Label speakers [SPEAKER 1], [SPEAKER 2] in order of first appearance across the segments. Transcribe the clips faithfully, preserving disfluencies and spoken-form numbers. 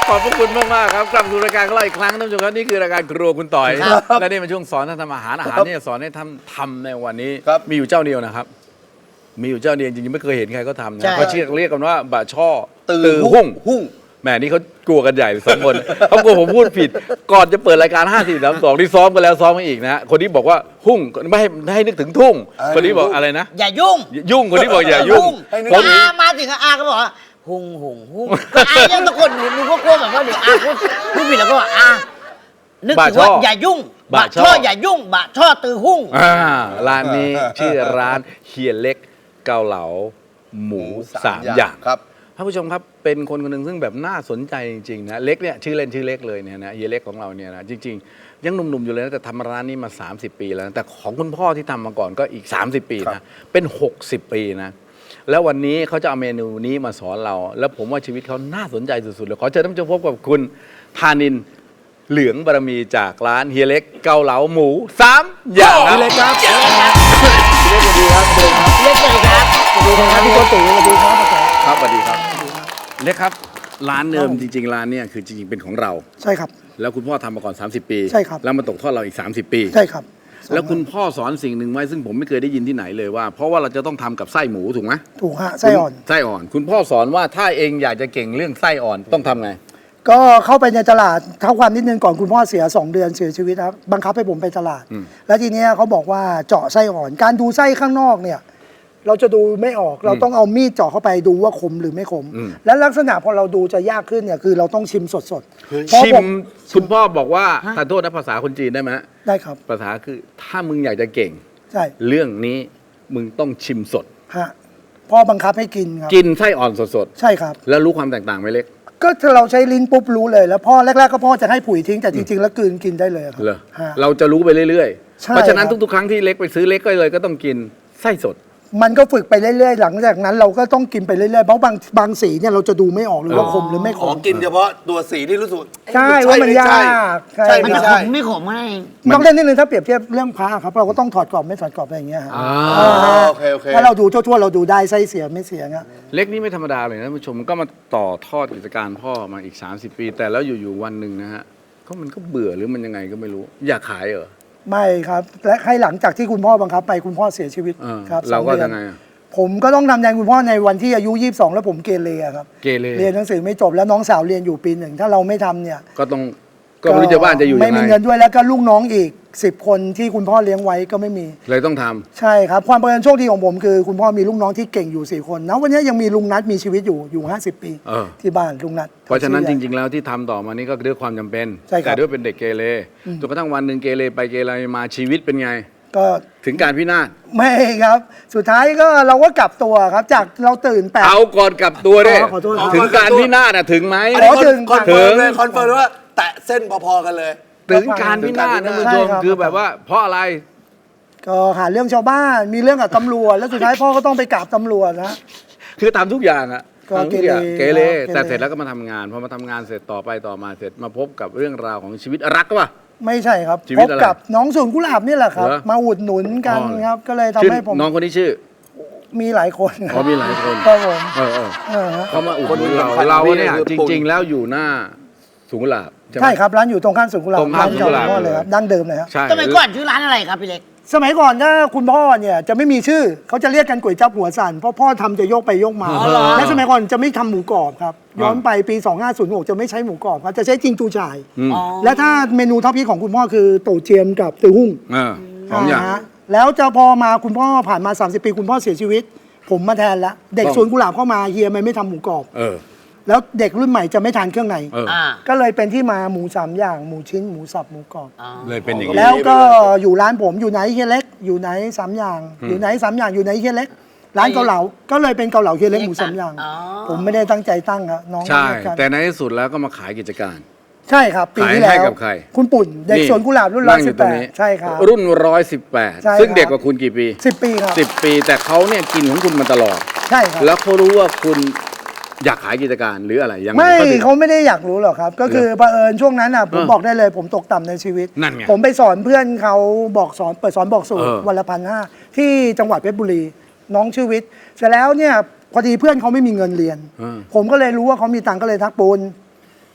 [SPEAKER 1] ขอบพระคุณมากๆครับกลับสู่รายการของเราอีกครั้งท่านผู้ชมครับนี่คือรายการครัวคุณต่อยและนี่เป็นช่วงสอนท่านทำอาหารอาหารที่จะสอนให้ท่านทำในวันนี้มีอยู่เจ้าเดียวนะครับมีอยู่เจ้าเดียวจริงๆไม่เคยเห็นใครเขาทำนะเขาเรียกเรียกกันว่าบะช่อตือหุ่งหุ่งแหมนี่เขากลัวกันใหญ่สองคนเขากลัวผมพูดผิดก่อนจะเปิดรายการห้าสี่สามสองที่ซ้อมกันแล้วซ้อมมาอีกนะคนนี้บอกว่าหุ่งไม่ให้ไม่ให้นึกถึงทุ่งคนนี้บอกอะไรนะ
[SPEAKER 2] อย่ายุ่ง
[SPEAKER 1] ยุ่งคนนี้บอกอย่ายุ่ง
[SPEAKER 2] ผมอามาถึงอาก็บอกว่าหุ่งหุ่งหุ่งอายังตะโกนหนูหนูก็กลัวแบบว่าเดี๋ยวอาพูดพูดผิดแล้วก็บอกอานึกถึงว่าอย่ายุ่งบะช่ออย่ายุ่งบะช่อตือหุ่ง
[SPEAKER 1] อ่าร้านนี้ชื่อร้านเฮียเล็กเกาเหลาหมูสามอย่าง
[SPEAKER 3] ครับ
[SPEAKER 1] ท่านผู้ชมครับเป็นคนคนหนึ่งซึ่งแบบน่าสนใจจริงๆนะเล็กเนี่ยชื่อเล่นชื่อเล็กเลยเนี่ยนะเฮียเล็กของเราเนี่ยนะจริงๆยังหนุ่มๆอยู่เลยนะแต่ทำร้านนี้มาสามสิบปีแล้วนะแต่ของคุณพ่อที่ทำมาก่อนก็อีกสามสิบปีนะเป็นหกสิบปีนะแล้ววันนี้เขาจะเอาเมนูนี้มาสอนเราแล้วผมว่าชีวิตเขาน่าสนใจสุดๆเลยขอเชิญท่านผู้ชมพบกับคุณธานินเหลืองบารมีจากร้านเฮียเล็กเกาเหลาหมูสามอย่าง
[SPEAKER 3] เฮียเล็กครับเฮียเล็กสวัสดีครับ
[SPEAKER 2] เล็กเลยครับ
[SPEAKER 3] สวัสดีครับพี่โกติสวัสดีครับ
[SPEAKER 1] ครับสวัสดีครับเล็กครับร้านเดิมจริงๆร้านเนี่ยคือจริงๆเป็นของเรา
[SPEAKER 3] ใช่ครับ
[SPEAKER 1] แล้วคุณพ่อทำมาก่อนสามสิบปี
[SPEAKER 3] ใช่ครับ
[SPEAKER 1] แล้วมาตกทอดเราอีกสามสิบปี
[SPEAKER 3] ใช่ครับ
[SPEAKER 1] แล้วคุณพ่อสอนสิ่งหนึ่งไว้ซึ่งผมไม่เคยได้ยินที่ไหนเลยว่าเพราะว่าเราจะต้องทำกับไส้หมูถูกไหม
[SPEAKER 3] ถูกฮะไส้อ่อน
[SPEAKER 1] ไส้อ่อนคุณพ่อสอนว่าถ้าเองอยากจะเก่งเรื่องไส้อ่อนต้องทำไง
[SPEAKER 3] ก็เข้าไปในตลาดเท่าความนิดนึงก่อนคุณพ่อเสียสองเดือนเสียชีวิตครับบังคับให้ผมไปตลาดแล้วทีนี้เขาบอกว่าเจาะไส้อ่อนการดูไส้ข้างนอกเนี่ยเราจะดูไม่ออกเราต้องเอามีดเจาะเข้าไปดูว่าขมหรือไม่ขมและลักษณะพอเราดูจะยากขึ้นเนี่ยคือเราต้องชิมสด
[SPEAKER 1] ๆชิมคุณพ่อบอกว่าทานโทษนะภาษาคนจีนได้ไหม
[SPEAKER 3] ได้ครับ
[SPEAKER 1] ภาษาคือถ้ามึงอยากจะเก่ง
[SPEAKER 3] ใช่
[SPEAKER 1] เรื่องนี้มึงต้องชิมสด
[SPEAKER 3] ฮะพ่อบังคับให้กินครับ
[SPEAKER 1] กินไส้อ่อนสด
[SPEAKER 3] ๆใช่ครับ
[SPEAKER 1] แล้วรู้ความแตกต่างไหมเล็ก
[SPEAKER 3] ก็ถ้าเราใช้ลิ้นปุ๊บรู้เลยแล้วพ่อแรกๆก็พ่อจะให้ผุยทิ้งแต่จริงๆแล้วกลืนกินได้เลยครับ
[SPEAKER 1] เราจะรู้ไปเรื่อยๆเพราะฉะนั้นทุกๆครั้งที่เล็กไปซื้อเล็กก็เลยก็ต้องกินไส้สด
[SPEAKER 3] มันก็ฝึกไปเรื่อยๆหลังจากนั้นเราก็ต้องกินไปเรื่อยๆเพราะบางบางสีเนี่ยเราจะดูไม่ออกเลยว่าขมหรือไม่ขม
[SPEAKER 4] กินเฉพาะตัวสีที่รู้สึก
[SPEAKER 3] ใช่ว่ามันยาก
[SPEAKER 2] ใช่มันจะขมไม่ขมอะไร
[SPEAKER 3] ต้องเล่นนิดนึงถ้าเปรียบเทียบเรื่องพระครับเราก็ต้องถอดกรอบไม่ถอดกรอบอะไรอย่างเงี้ยครับ
[SPEAKER 4] โอเคโอเค
[SPEAKER 3] ถ้าเราดูทั่วๆเราดูได้ไส้เสียไม่เสียเงี้ย
[SPEAKER 1] เล็กนี่ไม่ธรรมดาเลยนะท่านผู้ชมก็มาต่อทอดกิจการพ่อมาอีกสามสิบปีแต่แล้วอยู่ๆวันหนึ่งนะฮะก็มันก็เบื่อหรือมันยังไงก็ไม่รู้อยากขายเหรอ
[SPEAKER 3] ไม่ครับและให้หลังจากที่คุณพ่อบังคับไปคุณพ่อเสียชีวิตครับ
[SPEAKER 1] เราก็ยังไง
[SPEAKER 3] ผมก็ต้องทำแทนคุณพ่อในวันที่อายุยี่สิบสองแล้วผมเกเรครับ
[SPEAKER 1] เกเร
[SPEAKER 3] เรียนหนังสือไม่จบแล้วน้องสาวเรียนอยู่ปีหนึ่งถ้าเราไม่ทำเนี่ย
[SPEAKER 1] ก็ต้องก็ไม่รู้จะบ้านจะอยู่ยังไง
[SPEAKER 3] ไม่มีเงินด้วยแล้วก็ลูกน้องอีกสิบคนที่คุณพ่อเลี้ยงไว้ก็ไม่มี
[SPEAKER 1] เลยต้องท
[SPEAKER 3] ำใช่ครับความเป็นโชคดีของผมคือคุณพ่อมีลูกน้องที่เก่งอยู่สี่คนนะวันนี้ยังมีลุงนัทมีชีวิตอยู่อยู่ห้าสิบปีที่บ้านลุงนัท
[SPEAKER 1] เพราะฉะนั้นจริงๆแล้วที่ทำต่อมานี้ก็ด้วยความจำเป็นแต่ด้วยเป็นเด็กเกเรจนกระทั่งวันหนึ่งเกเรไปเกเรมาชีวิตเป็นไง
[SPEAKER 3] ก็
[SPEAKER 1] ถึงการพินาศ
[SPEAKER 3] ไม่ครับสุดท้ายก็เราก็กลับตัวครับจากเราตื่นแปด
[SPEAKER 1] เอาก่อนกลับตัวเนี่ยถึงการพินาศอะถึงไหม
[SPEAKER 4] ถึงคอนเฟิร์มเลยคอนเฟิร์มว่าแตะเส้นพอๆกันเลย
[SPEAKER 1] ถึงการพินาศนะคุณผู้ชมคือแบบว่าเพราะอะไร
[SPEAKER 3] ก็หาเรื่องชาวบ้านมีเรื่องกับตำรวจแล้วสุดท้ายพ่อก็ต้องไปกราบตำรวจนะ
[SPEAKER 1] คือทำทุกอย่างอะ
[SPEAKER 3] ก็เกเร
[SPEAKER 1] เกเรแต่เสร็จแล้วก็มาทำงานพอมาทำงานเสร็จต่อไปต่อมาเสร็จมาพบกับเรื่องราวของชีวิตรักป่ะ
[SPEAKER 3] ไม่ใช่ครับพบกับน้องสวนกุหลาบนี่แหละครับมาอุดหนุนกันครับก็เลยทำให้ผม
[SPEAKER 1] น้องคนนี้ชื่อ
[SPEAKER 3] มีหลายคน
[SPEAKER 1] เขามีหลายคน
[SPEAKER 3] ครับผม
[SPEAKER 1] เออเออเขามาอุดหนุนเราเราเนี่ยจริงๆแล้วอยู่หน้าสวนกุหลาบ
[SPEAKER 3] ใช่ครับร้านอยู่ตรงข้ามสวนกุหลาบ
[SPEAKER 1] ตรงข้ามสวนกุหลาบ
[SPEAKER 3] เลยครับดั้งเดิมเลยครับ
[SPEAKER 2] สมัยก่อนชื่อร้านอะไรครับพี่เล็ก
[SPEAKER 3] สมัยก่อนถ้าคุณพ่อเนี่ยจะไม่มีชื่อเขาจะเรียกกันก๋วยจั๊บหัวสั่นเพราะพ่อทำจะโยกไปโยกมาและสมัยก่อนจะไม่ทำหมูกรอบครับย้อนไปปีสองห้าศูนย์หกจะไม่ใช้หมูกรอบครับจะใช้จิงจูฉ่ายและถ้าเมนูท็อปฮิตของคุณพ่อคือโตเจียมกับตือหุ่ง
[SPEAKER 1] สองอย่าง
[SPEAKER 3] แล้วจะพอมาคุณพ่อผ่านมาสามสิบปีคุณพ่อเสียชีวิตผมมาแทนแล้วเด็กสวนกุหลาบเข้ามาเฮียไม่ไม่ทำหมูกรอบแล้วเด็กรุ่นใหม่จะไม่ทานเครื่องในก็เลยเป็นที่มาหมูสามอย่างหมูชิ้นหมูสับหมูกรอบ
[SPEAKER 1] เลยเป็นอย่างนี้
[SPEAKER 3] แล้วก็อยู่ร้านผมอยู่ไหนเฮียเล็กอยู่ไหนสามอย่างอยู่ไหนสามอย่างอยู่ไหนเฮียเล็กร้านเกาเหลาก็เลยเป็นเกาเหลาเฮียเล็กหมูสามอย่างผมไม่ได้ตั้งใจตั้งครับน้อง
[SPEAKER 1] ใช่แต่ในที่สุดแล้วก็มาขายกิจการ
[SPEAKER 3] ใช่ครับปีที่แล้วคุณปุ่นเด็กสวนกุหลาบรุ่นร้อยสิบแปดใช่ครับ
[SPEAKER 1] รุ่นร้อยสิบแปดซึ่งเด็กกว่าคุณกี่ปี
[SPEAKER 3] สิบปีครับ
[SPEAKER 1] สิบปีแต่เขาเนี่ยกินของคุณมาตลอด
[SPEAKER 3] ใช่ครับ
[SPEAKER 1] แล้วเขารู้ว่าคุณอยากขายกิจการหรืออะไรยัง
[SPEAKER 3] ไม่เขาไม่ได้อยากรู้หรอกครับก็คือเผอิญช่วงนั้นอ่ะผมบอกได้เลยผมตกต่ำในชีวิตผมไปสอนเพื่อนเขาบอกสอนเปิดสอนบอกสูตรวันละพันห้าที่จังหวัดเพชรบุรีน้องชื่อวิทย์เสร็จแล้วเนี่ยพอดีเพื่อนเขาไม่มีเงินเรียนผมก็เลยรู้ว่าเขามีตังค์ก็เลยทักปูน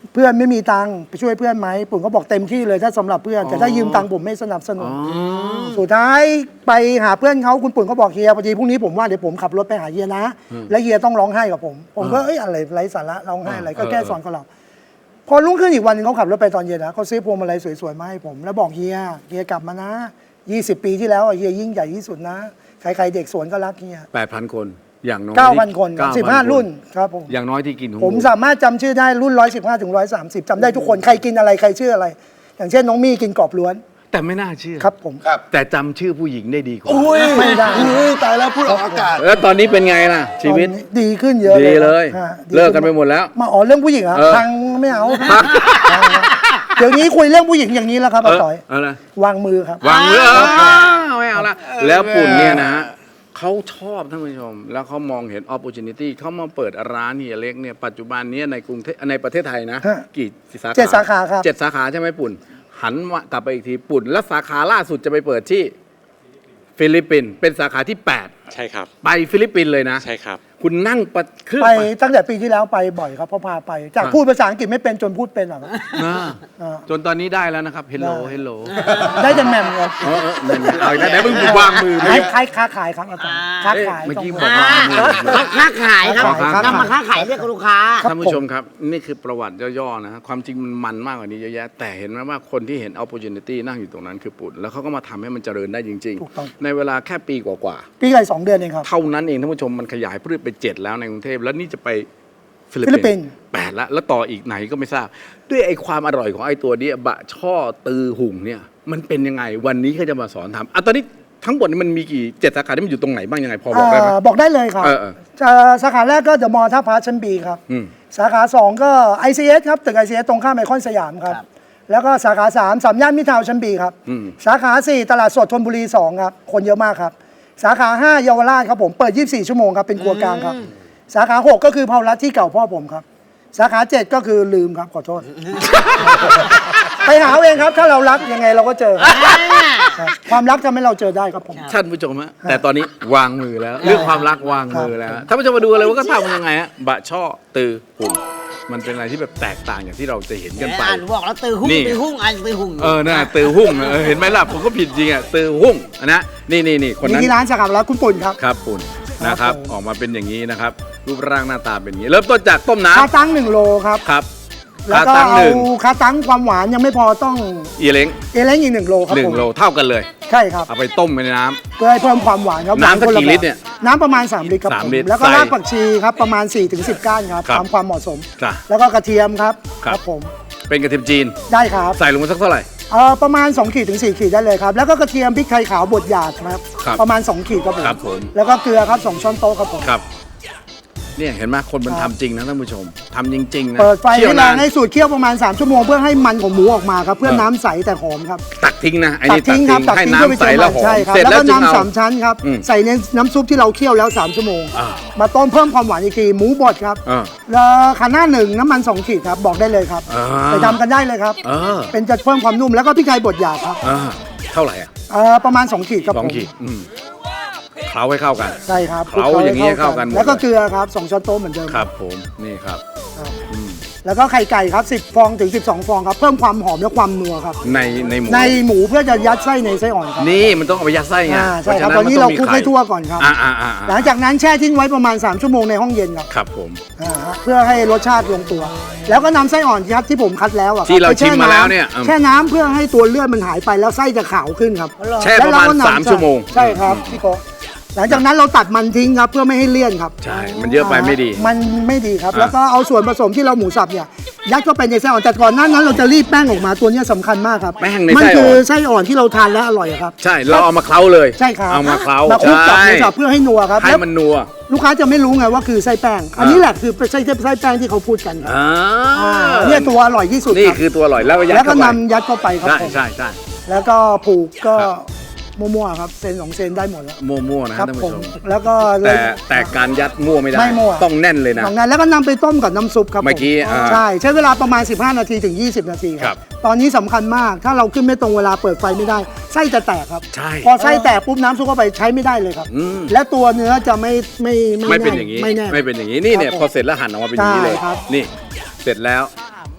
[SPEAKER 3] เพื่อนไม่มีตังค์ไปช่วยเพื่อนไหมปุ่นก็บอกเต็มที่เลยถ้าสำหรับเพื่อนแต่ถ้ายืมตังค์ผมไม่สนับสนุนสุดท้ายไปหาเพื่อนเขาคุณปุ่นก็บอกเฮียพอดีพรุ่งนี้ผมว่าเดี๋ยวผมขับรถไปหาเฮียนะ แล้วเฮียต้องร้องไห้กับผม ผมก็เอ้ยอะไรไร้สาระร้องไห้อะไรก็แค่สอนเขาเราพอรุ่งขึ้นอีกวันหนึงเขาขับรถไปตอนเย็นนะเขาซื้อพวงมาลัยสวยๆมาให้ผมแล้วบอกเฮียเฮียกลับมานะยี่สิบปีที่แล้วอะเฮียยิ่งใหญ่ที่สุดนะใครๆเด็กสวนก็รักเฮีย
[SPEAKER 1] แปดพันคนอย่างน้อย
[SPEAKER 3] เก้าพันคน
[SPEAKER 1] เก้าพั
[SPEAKER 3] สิบห้ารุ่นครับผม
[SPEAKER 1] อย่างน้อยที่กินของ
[SPEAKER 3] ผมสามารถจำชื่อได้รุ่นร้อยสิบห้าถึงร้อยสามสิบจำได้ทุกคนใครกินอะไรใครชื่ออะไร อย่างเช่นน้องมี่กินกรอบล้วน
[SPEAKER 1] แต่ไม่น่าเชื่อ
[SPEAKER 3] ครับผม
[SPEAKER 4] ครับ
[SPEAKER 1] แต่จำชื่อผู้หญิงได้ดีกว่า
[SPEAKER 4] อุ้ย
[SPEAKER 3] ไม่ได้
[SPEAKER 4] อุ้ยตายแล้วพูดออกอากาศ
[SPEAKER 1] แล้วตอนนี้เป็นไงล่ะ ชีวิต
[SPEAKER 3] ตอนนี้ดีขึ้นเยอะ
[SPEAKER 1] ดีเลย
[SPEAKER 3] ฮะดี
[SPEAKER 1] เลิกกันไปหมดแล้ว
[SPEAKER 3] มาอ๋อเรื่องผู้หญิงเหรอ่ะ
[SPEAKER 1] เออ
[SPEAKER 3] ทางไม่เอาเดี๋ยวนี้คุยเรื่องผู้หญิงอย่างนี้แล้วครับ
[SPEAKER 1] เอ
[SPEAKER 3] อา
[SPEAKER 1] อ
[SPEAKER 3] ต่อย
[SPEAKER 1] เอาละ
[SPEAKER 3] วางมือครับ
[SPEAKER 1] วางมืออ้าวไม่เอาละแล้วปุ่นเนี่ยนะฮะเขาชอบท่านผู้ชม แล้วเขามองเห็น opportunity เขามาเปิดร้านเฮียเล็กเนี่ยปัจจุบันเนี้ในกรุงเทพในประเทศไทยนะ
[SPEAKER 3] ฮะ
[SPEAKER 1] กี่สาขา
[SPEAKER 3] เจ็ดสาขาครับ
[SPEAKER 1] เจ็ดสาขาใช่ไหมปุ่น หันมากลับไปอีกทีปุ่น แล้วสาขาล่าสุดจะไปเปิดที่ฟิลิปปินส์เป็นสาขาที่แปด
[SPEAKER 5] ใช่ครับ
[SPEAKER 1] ไปฟิลิปปินส์เลยนะ
[SPEAKER 5] ใช่ครับ
[SPEAKER 1] คุณนั่งประเครื่อง
[SPEAKER 3] ไป
[SPEAKER 1] ไป
[SPEAKER 3] ตั้งแต่ปีที่แล้วไปบ่อยครับเพราะพาไป จาก
[SPEAKER 1] อ่ะ
[SPEAKER 3] พูดภาษาอังกฤษไม่เป็นจนพูดเป็นหรอกครับ
[SPEAKER 1] อ่า
[SPEAKER 3] อ่า
[SPEAKER 1] จนตอนนี้ได้แล้วนะครับ hello hello
[SPEAKER 3] ได้แต่แหม่มครับ
[SPEAKER 1] เออเออนั่นไงเอาอีกแล้วไหนมึงวางมือ
[SPEAKER 3] คล้ายคล้ายค้าขายครับอาจารย์ค้า
[SPEAKER 1] เอ๊ะ
[SPEAKER 3] ขาย
[SPEAKER 1] เมื่อกี้
[SPEAKER 3] ต้ง
[SPEAKER 1] บอก
[SPEAKER 2] อ่า
[SPEAKER 1] ว่า
[SPEAKER 2] ค้าขายครับ
[SPEAKER 3] ค้าขาย
[SPEAKER 2] นำมาค้าขายเรียกลูกค้า
[SPEAKER 3] ครับ
[SPEAKER 1] ท่านผู้ชมครับ นี่คือประวัติย่อๆนะฮะความจริงมันมันมากกว่านี้เยอะแยะ แต่เห็นไหมว่าคนที่เห็น opportunity นั่งอยู่ตรงนั้นคือปุ่น แล้วเขาก็มาทำให้มันเจริญได้จริง
[SPEAKER 3] ถูกต้อง
[SPEAKER 1] ๆ ในเวลาแค่ปีกว่า
[SPEAKER 3] ปีไก่สองเดือนเองครับ
[SPEAKER 1] ๆ เท่านั้นเองท่านผู้ชมมันขยายพืชไปเจ็ดแล้วในกรุงเทพแล้วนี่จะไปฟิ
[SPEAKER 3] ฟิลิปปินส์
[SPEAKER 1] แปดแล้วแล้วต่ออีกไหนก็ไม่ทราบ ด้วยไอ้ความอร่อยของไอ้ตัวเนี้ยบะช่อตือหุ่งเนี่ยมันเป็นยังไงวันนี้เขาจะมาสอนทำอ่ะตอนนี้ทั้งหมดนี่มันมีกี่เจ็ดสาขาที่มันอยู่ตรงไหนบ้างยังไงพอบอกได้ไหม
[SPEAKER 3] อ่าบอกได้เลยครับ
[SPEAKER 1] เออเออ
[SPEAKER 3] จะสาขาแรกก็เดอะมอลล์ท่าพระชั้นบีครับ
[SPEAKER 1] อืม
[SPEAKER 3] สาขาสองก็ ไอ ซี เอส ครับตึก ไอ ซี เอส ตรงข้ามไอคอนสยามครับ
[SPEAKER 2] ครับ
[SPEAKER 3] แล้วก็สาขาสามสามย่านมิตรทาวน์ชั้นบีครับ
[SPEAKER 1] อืม
[SPEAKER 3] สาขาสี่ตลาดสดธนบุรีสองครับ คนเยอะมากครับ สาขาห้าเยาวราชครับผมเปิดยี่สิบสี่ชั่วโมงครับเป็นครัวกลางครับ สาขาหกก็คือเพารัตที่เก่าพ่อผมครับ สาขาเจ็ดก็คือลืมครับขอโทษ ไปหาเอาเองครับ ถ้าเรารักยังไงเราก็เจอครับความรักทำให้เราเจอได้ครับผม
[SPEAKER 1] ท่านผู้ชมฮะแต่ตอนนี้วางมือแล้ว เรื่องความรักวางมือแล้วท่านผู้ชมมาดูเลยว่าก็ทำยังไงฮะบะช่อตือหุ่งมันเป็นอะไรที่แบบแตกต่างอย่างที่เราจะเห็นกันไป
[SPEAKER 2] อ่านบอกแล้วตือหุ้ง
[SPEAKER 1] นี่
[SPEAKER 2] ตือหุ้งอ่านตือหุ้ง
[SPEAKER 1] เออน่าตือหุ่งเออเห็นไหมล่ะผมก็ผิดจริงอ่ะตือหุ่งนะนี่นี่นี่คน
[SPEAKER 3] มี
[SPEAKER 1] นั้น
[SPEAKER 3] ที่ร้านสาขาแล้วคุณปุ่นครับ
[SPEAKER 1] ครับปุ่นนะครับ
[SPEAKER 3] ผม
[SPEAKER 1] ออกมาเป็นอย่างนี้นะครับ รูปร่างหน้าตาเป็นอย่างนี้ เริ่มต้นจากต้ม
[SPEAKER 3] คา
[SPEAKER 1] น้ำ
[SPEAKER 3] ตั้งหนึ่งโลครับ
[SPEAKER 1] ครับ
[SPEAKER 3] แล้ว
[SPEAKER 1] คา
[SPEAKER 3] ก็
[SPEAKER 1] ตั้งห
[SPEAKER 3] เอา
[SPEAKER 1] นึ่ง
[SPEAKER 3] คาตั้งความหวานยังไม่พอต้อง
[SPEAKER 1] อีเล้ง
[SPEAKER 3] เอเล้งอีกหนึ่งโลครับ
[SPEAKER 1] หนึ่ง
[SPEAKER 3] ผม
[SPEAKER 1] โลเท่ากันเลย
[SPEAKER 3] ใช่ครับ
[SPEAKER 1] เอาไปต้มไปในน้ำ
[SPEAKER 3] เพื่อให้เพิ่มความหวานครับ
[SPEAKER 1] น้ำสัก
[SPEAKER 3] หวาค
[SPEAKER 1] กี่
[SPEAKER 3] แบบ
[SPEAKER 1] ลิตรเนี่ย
[SPEAKER 3] น้ำประมาณสามลิตรครับ
[SPEAKER 1] สาม
[SPEAKER 3] ผม
[SPEAKER 1] ลิตร
[SPEAKER 3] แล้วก็
[SPEAKER 1] ใส่
[SPEAKER 3] รากผักชีครับประมาณสี่ถึงสิบก้านครับ
[SPEAKER 1] ครับ
[SPEAKER 3] ตามความเหมาะสม
[SPEAKER 1] จ้ะ
[SPEAKER 3] แล้วก็กระเทียมครับ
[SPEAKER 1] ครับ
[SPEAKER 3] ผม
[SPEAKER 1] เป็นกระเทียมจีน
[SPEAKER 3] ได้ครับ
[SPEAKER 1] ใส่ลงมาสักเท่าไหร่
[SPEAKER 3] เอ่อประมาณสองขีดถึงสี่ขีดได้เลยครับแล้วก็กระเทียมพริกไทยขาวบดหยาบครับ
[SPEAKER 1] ครับ
[SPEAKER 3] ประมาณสองขีดครับผม
[SPEAKER 1] ครับผม
[SPEAKER 3] แล้วก็เกลือครับสองช้อนโต๊ะครับผม
[SPEAKER 1] ครับ เนี่ยเห็นไหมคนมัน
[SPEAKER 3] ครั
[SPEAKER 1] ทำ
[SPEAKER 3] บ
[SPEAKER 1] จริงนะท่านผู้ชมทำจริงๆนะ
[SPEAKER 3] เปิดไฟ
[SPEAKER 1] เคี่ยว
[SPEAKER 3] ให้แร
[SPEAKER 1] นาง น
[SPEAKER 3] ให้สูตรเคี่ยวประมาณสามชั่วโมงเพื่อให้มันของหมูออกมาครับเพื่อ
[SPEAKER 1] เออ
[SPEAKER 3] น้ำใสแต่หอมครับ
[SPEAKER 1] ตักทิ้งนะไอ้
[SPEAKER 3] ตั
[SPEAKER 1] นี่
[SPEAKER 3] กทิ้งครับตัก
[SPEAKER 1] ให้
[SPEAKER 3] ทิ้ง
[SPEAKER 1] น้ำใสแล้วหอม
[SPEAKER 3] ใช่ครับ
[SPEAKER 1] เสร็จ
[SPEAKER 3] แล้ว
[SPEAKER 1] แล้ว
[SPEAKER 3] ก็
[SPEAKER 1] จึงเอา
[SPEAKER 3] น้ำสามชั้นครับ
[SPEAKER 1] อืม
[SPEAKER 3] ใส่ในน้ำซุปที่เราเคี่ยวแล้วสามชั่วโมง
[SPEAKER 1] อ่า
[SPEAKER 3] มาต้มเพิ่มความหวานอีกทีหมูบดครับ
[SPEAKER 1] อ่า
[SPEAKER 3] แล้วขาหน้าหนึ่งน้ำมันสองขีดครับบอกได้เลยครับ
[SPEAKER 1] อ่า
[SPEAKER 3] ไปทำกันได้เลยครับ
[SPEAKER 1] เออ
[SPEAKER 3] เป็นจะเพิ่มความนุ่มแล้วก็พริกไทยบดหยาบครับ
[SPEAKER 1] อ่าเท่าไหร่อ่ะ
[SPEAKER 3] เอ่อประมาณสองขีดครับ
[SPEAKER 1] สอง
[SPEAKER 3] ผม
[SPEAKER 1] ขีดอืมเคล้าให้เข้ากัน
[SPEAKER 3] ใช่ครับ
[SPEAKER 1] เคล้าอย่างนี้ให้เข้ากันหมด
[SPEAKER 3] แล้วก็เกลือครับสองช้อนโต๊ะเหมือนเดิม
[SPEAKER 1] ครับผมนี่ครับ
[SPEAKER 3] ครับ
[SPEAKER 1] อืม
[SPEAKER 3] แล้วก็ไข่ไก่ครับสิบฟองถึงสิบสองฟองครับเพิ่มความหอมและความนัวครับ
[SPEAKER 1] ในในหมู
[SPEAKER 3] ในหมูเพื่อจะยัดไส้ในไส้อ่อนครับ
[SPEAKER 1] นี่มันต้องเอาไปยัดไส้ไง
[SPEAKER 3] อ่าใช่ครับ
[SPEAKER 1] พะฉะ
[SPEAKER 3] ตอนนี้
[SPEAKER 1] มั
[SPEAKER 3] เรา
[SPEAKER 1] งมี
[SPEAKER 3] คลุก
[SPEAKER 1] ไข่
[SPEAKER 3] ให้ทั่วก่อนครับ
[SPEAKER 1] อ่าอ่าอ่า
[SPEAKER 3] หลังจากนั้นแช่ทิ้งไว้ประมาณสามชั่วโมงในห้องเย็นครับ
[SPEAKER 1] ครับผม
[SPEAKER 3] อ่าฮะเพื่อให้รสชาติลงตัว แล้วก็นำไส้อ่อนครับที่ผมคัดแล้วอะคบ
[SPEAKER 1] ที่เรา
[SPEAKER 3] ไปช่
[SPEAKER 1] ชิมมา
[SPEAKER 3] ำ
[SPEAKER 1] แล้วเนี่ยอืม
[SPEAKER 3] แช่น้ำเพื่อให้ตัวเลือดมันหายไปแล้วไส้จะขาวขึ้นครับ
[SPEAKER 1] แช่ประมาณ
[SPEAKER 3] แล้วเก็นำ
[SPEAKER 1] สามชั่วโมง
[SPEAKER 3] ใช่ครับพี่โกหลังจากนั้นเราตัดมันทิ้งครับเพื่อไม่ให้เลี่ยนครับ
[SPEAKER 1] ใช่ มันเยอะไปไม่ดี
[SPEAKER 3] มันไม่ดีครับ
[SPEAKER 1] อ่า
[SPEAKER 3] แล้วก็เอาส่วนผสมที่เราหมูสับเนี่ยยัดเข้าไปในไส้อ่อนแต่ก่อนหนั้นนั้นเราจะรีบแป้งออกมาตัวเนี้ยสำคัญมากครับ
[SPEAKER 1] แป้งใน
[SPEAKER 3] มั
[SPEAKER 1] ไส้อ่อน
[SPEAKER 3] คือไส้อ่อนที่เราทานแล้วอร่อยอะครับ
[SPEAKER 1] ใช่ เราเอามาเคล้าเลย
[SPEAKER 3] ใช่ครับ
[SPEAKER 1] เอามาเคล้า
[SPEAKER 3] มาคลุกกับ
[SPEAKER 1] ใช่
[SPEAKER 3] หมูสับเพื่อให้นัวครับ
[SPEAKER 1] ให้
[SPEAKER 3] แล้ว
[SPEAKER 1] มันนัว
[SPEAKER 3] ลูกค้าจะไม่รู้ไงว่าคือไส้แป้ง อันนี้แหละคือไส้ไส้แป้งที่เขาพูดกันครับ
[SPEAKER 1] อ่า
[SPEAKER 3] อ่าเนี่ยตัวอร่อยที่สุด
[SPEAKER 1] นี่
[SPEAKER 3] ครับ
[SPEAKER 1] คือตัวอร่อยแล้วก็ยัด
[SPEAKER 3] แล้วก็
[SPEAKER 1] เข้าไป
[SPEAKER 3] นำยัดเข้าไปครับ
[SPEAKER 1] ใช่
[SPEAKER 3] ผม
[SPEAKER 1] ใช่ใช่
[SPEAKER 3] แล้วก็ผูกก็
[SPEAKER 1] ครับ
[SPEAKER 3] มั่วๆครับเซนสองเซนได้หมดแล้ว
[SPEAKER 1] มั่วๆนะ
[SPEAKER 3] ครั
[SPEAKER 1] ท่าน
[SPEAKER 3] ผ
[SPEAKER 1] ผู้
[SPEAKER 3] ม
[SPEAKER 1] ชม
[SPEAKER 3] แล้วก็เล
[SPEAKER 1] แต่
[SPEAKER 3] ย
[SPEAKER 1] แต่การยัดมั่วไม่ได้
[SPEAKER 3] ไม่มั่ว
[SPEAKER 1] ต้องแน่นเลยนะ
[SPEAKER 3] สองนั้นแล้วก็นำไปต้มกับน้ำซุปครับผ
[SPEAKER 1] เมื่อกี้อ่า
[SPEAKER 3] ใช่ใช้เวลาประมาณสิบห้านาทีถึงยี่สิบนาทีค
[SPEAKER 1] ครั
[SPEAKER 3] รับ บตอนนี้สำคัญมากถ้าเราขึ้นไม่ตรงเวลาเปิดไฟไม่ได้ไส้จะแตกครับ
[SPEAKER 1] ใช่
[SPEAKER 3] พอไส้แตกปุ๊บน้ำซุปเข้าไปใช้ไม่ได้เลยครับ
[SPEAKER 1] อืม
[SPEAKER 3] และตัวเนื้อจะไม่ไม่
[SPEAKER 1] ไม่เป็น
[SPEAKER 3] แ
[SPEAKER 1] อย่างนี้
[SPEAKER 3] ไม่แน่
[SPEAKER 1] ไม่เป็นอย่างนี้นี่เนี่ย
[SPEAKER 3] ครับผม
[SPEAKER 1] พอเสร็จแล้วหั่นออกมาเป็นอย่างนี้เลย
[SPEAKER 3] ใช่ครับ
[SPEAKER 1] นี่เสร็จแล้ว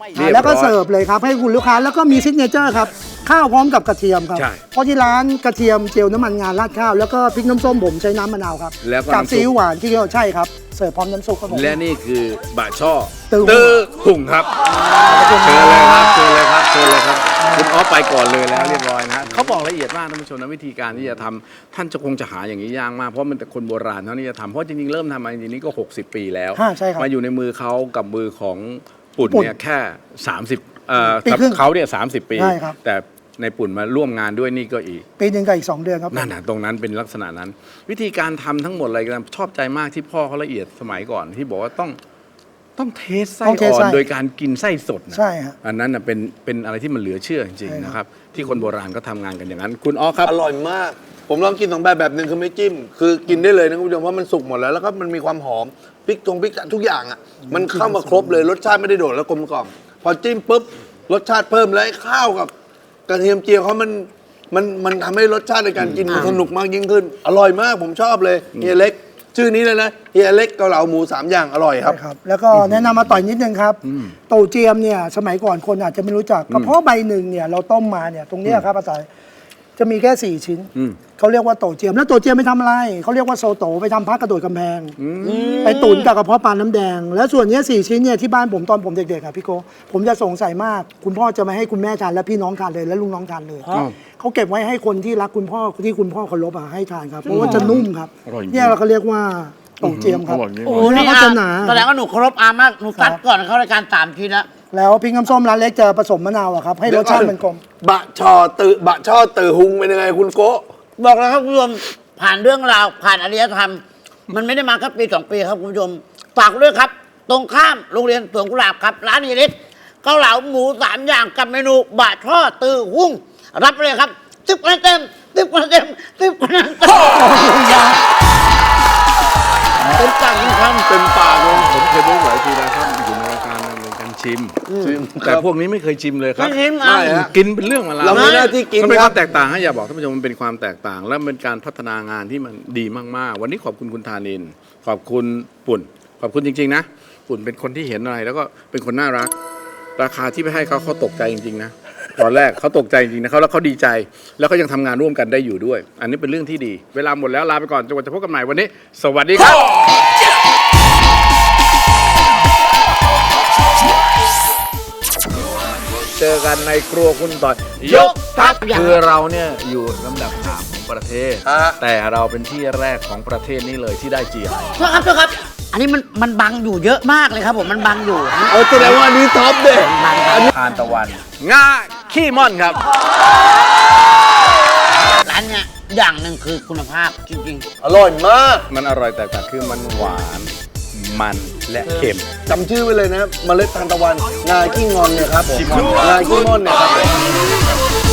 [SPEAKER 1] เรียบร้อย
[SPEAKER 3] แล้วก็เสิร์ฟเลยครับให้คุณลูกค้าแล้วก็มีซิกเนเจอร์ครับข้าวพร้อมกับกระเทียมครับ
[SPEAKER 1] ใช่
[SPEAKER 3] เพราะที่ร้านกระเทียมเจียวน้ำมันงาราดข้าวแล้วก็พริกน้ำส้มผมใช้น้ำมะนาวครับ
[SPEAKER 1] แล้วก็
[SPEAKER 3] กับ
[SPEAKER 1] น้ำซุป
[SPEAKER 3] ซีอิ๊วหวานที่เขาใช่ครับเสิร์ฟพร้อมน้ำซุปครับผม
[SPEAKER 1] และนี่คือบะช่อ
[SPEAKER 3] ตือ
[SPEAKER 1] ตือหุ่งครับเชิญเลยครับเชิญเลยครับเชิญเลยครับคุณออฟไปก่อนเลยแล้วเรียบร้อยนะเขาบอกละเอียดมากท่านผู้ชมนะวิธีการที่จะทำท่านจะคงจะหาอย่างนี้ยากมากเพราะมันแต่คนโบราณเท่านี้จะทำเพราะจริงๆเริ่มทำมาจริงๆนี่ก็หกสิบปีแล้ว
[SPEAKER 3] ฮะใช่ครับ
[SPEAKER 1] มาอยู่ในมือเขากับมือของปุ่น
[SPEAKER 3] ปุ่น
[SPEAKER 1] เนี่ยแค่สามสิบเอ่อ
[SPEAKER 3] ปีครึ่ง
[SPEAKER 1] เขาเนี่ยสามสิบปี
[SPEAKER 3] ใช่ครับ
[SPEAKER 1] แต่ในปุ่นมาร่วมงานด้วยนี่ก็อีก
[SPEAKER 3] ปีหนึ่งกับอีกสองเดือนครับผม
[SPEAKER 1] นั่นนะตรงนั้นเป็นลักษณะนั้น วิธีการทำทั้งหมดอะไรกันชอบใจมากที่พ่อเขาละเอียดสมัยก่อนที่บอกว่าต้องต้องเทสไส้
[SPEAKER 3] ต้องเทส
[SPEAKER 1] อ่อ
[SPEAKER 3] ไส้
[SPEAKER 1] นโดยการกินไส้สดนะ
[SPEAKER 3] ใช่ฮะ
[SPEAKER 1] อันนั้นนะเป็นเป็นอะไรที่มันเหลือเชื่อจริง
[SPEAKER 3] ใช่
[SPEAKER 1] ๆ
[SPEAKER 3] ครับ
[SPEAKER 1] นะครับที่คนโบราณก็ทำงานกันอย่างนั้น คุณอ๋อครับ
[SPEAKER 4] อร่อยมาก ผมลองกินสองแบบแบบหนึ่งคือไม่จิ้ม คือกินได้เลยนะคุณผู้ชมเพราะมันสุกหมดแล้วแล้วก็มันมีความหอมพริกตรงพริกทุกอย่างอ่ะมันเข้ามาครบเลยรสชาติไม่ได้โดดแล้วกลมกล่อมพอจิ้มปุ๊บรสชาติเพิ่มแล้วไอ้ข้าวกับกระเทียมเจียวเขามันมันมันทำให้รสชาติในการกินมันสนุกมากยิ่งขึ้น อร่อยมากผมชอบเลยเฮียเล็ก ชื่อนี้เลยนะเฮียเล็กเกาเหลาหมูสามอย่างอร่อยครับ
[SPEAKER 3] ใช่ครับ แล้วก็แนะนำมาต่อยนิดนึงครับโตเจียมเนี่ยสมัยก่อนคนอาจจะไม่รู้จักกระเพาะใบหนึ่งเนี่ยเราต้มมาเนี่ยตรงเนี้ยครับอาจารย์จะมีแค่สี่ชิ้น
[SPEAKER 1] อืม
[SPEAKER 3] เขาเรียกว่าโตเจียมแล้วโตเจียมไปทำอะไรเขาเรียกว่าโซโตไปทำพักกระโดดกำแพงไปตุ๋นกับกระเพาะปลาน้ำแดง แล้วส่วนเนี้ยสี่ชิ้นเนี่ยที่บ้านผมตอนผมเด็กๆอ่ะพี่โกผมจะสงสัยมาก คุณพ่อจะไม่ให้คุณแม่ทานและพี่น้องทานเลยและลุงน้องทานเลย
[SPEAKER 1] อ้าว
[SPEAKER 3] เขาเก็บไว้ให้คนที่รักคุณพ่อที่คุณพ่อเคารพอ่ะให้ทานครับเพราะว่าจะนุ่มครับ
[SPEAKER 1] อร่อยจริง
[SPEAKER 3] เนี่ยเราก็เรียกว่าโตเจียมครับ
[SPEAKER 1] อร่อยจริง
[SPEAKER 2] โอ้
[SPEAKER 3] โอ้
[SPEAKER 2] โห
[SPEAKER 3] นี่
[SPEAKER 2] นี่
[SPEAKER 3] เขา
[SPEAKER 2] อา
[SPEAKER 3] จะหนา
[SPEAKER 2] แสดงว่าหนูเคารพอามากหนูตัดก่อนเข้ารายการสามทีแล้ว
[SPEAKER 3] แล้วพริกน้ำส้มร้านเล็กจะผสมมะนาวอะครับให้รสชาติมันกลม
[SPEAKER 4] บะชอตือบะช่อตือหุงเป็นยังไงคุณโกะ
[SPEAKER 2] บอกแล้วครับคุณผู้ชมผ่านเรื่องราวผ่านอารยธรรม มันไม่ได้มาแค่ปีสองปีครับคุณผู้ชมฝากด้วยครับ ตรงข้ามโรงเรียนสวนกุหลาบครับ ร้านเฮียเล็กเกาเหลาหมูสามอย่างกับเมนูบะช่อตือหุ้งรับไปเลยครับสิบคะแนนเต็มสิบคะแนนเต็มสิบคะแนนเต็มเต็มปากจริงครับ
[SPEAKER 1] เต็มปากเลยผมเคยพูดหลายทีแล้วครับอยู่ในรายการในการชิม แต่พวกนี้ไม่เคยชิมเลยครับ
[SPEAKER 2] ไม่ชิมอ่ะ
[SPEAKER 4] ไม่ฮะ
[SPEAKER 1] กินเป็นเรื่องมาแล้ว
[SPEAKER 4] เรามีหน้าที่กิน
[SPEAKER 1] มันเป็น
[SPEAKER 4] ค
[SPEAKER 1] ค
[SPEAKER 4] รั
[SPEAKER 1] วา
[SPEAKER 4] บ
[SPEAKER 1] มแตกต่างให้อย่าบอกท่านผู้ชมมันเป็นความแตกต่าง และเป็นการพัฒนางานที่มันดีมากๆ วันนี้ขอบคุณคุณธานิน ขอบคุณปุ่น ขอบคุณจริงๆนะ ปุ่นเป็นคนที่เห็นอะไรแล้วก็เป็นคนน่ารัก ราคาที่ไปให้เขาเขาตกใจจริงๆนะตอนแรกเขาตกใจจริงๆนะเขาแล้วเขาดีใจ แล้วเขายังทำงานร่วมกันได้อยู่ด้วย อันนี้เป็นเรื่องที่ดี เวลาหมดแล้วลาไปก่อนจนกว่าจะพบกันใหม่วันนี้ สวัสดีครับ เจอกันในครัวคุณต่อยยกทัพคือเราเนี่ยอยู่ลำดับสามของประเทศ
[SPEAKER 4] ฮะ
[SPEAKER 1] แต่เราเป็นที่แรกของประเทศนี้เลยที่ได้ จี ไอ
[SPEAKER 2] โทษครับโทษครับ อันนี้มันมันบังอยู่เยอะมากเลยครับผมมันบังอยู่นะ
[SPEAKER 4] เอาแสดงว่าอันนี้ท็อปเด็
[SPEAKER 2] บังครับ
[SPEAKER 1] ทานตะวันง่าขี้ม่อนครับ
[SPEAKER 2] ร้านเนี้ยอย่างหนึ่งคือคุณภาพจริง
[SPEAKER 4] อร่อยมาก
[SPEAKER 1] มันอร่อยแตกต่างคือมันหวานมันและเค็ม
[SPEAKER 4] จำชื่อไว้เลยนะเมล็ดทานตะวัน งาขี้งอนเนี่ยครับผม
[SPEAKER 1] ขี้ม่อน
[SPEAKER 4] งาขี้ม่อนเนี่ยครับผม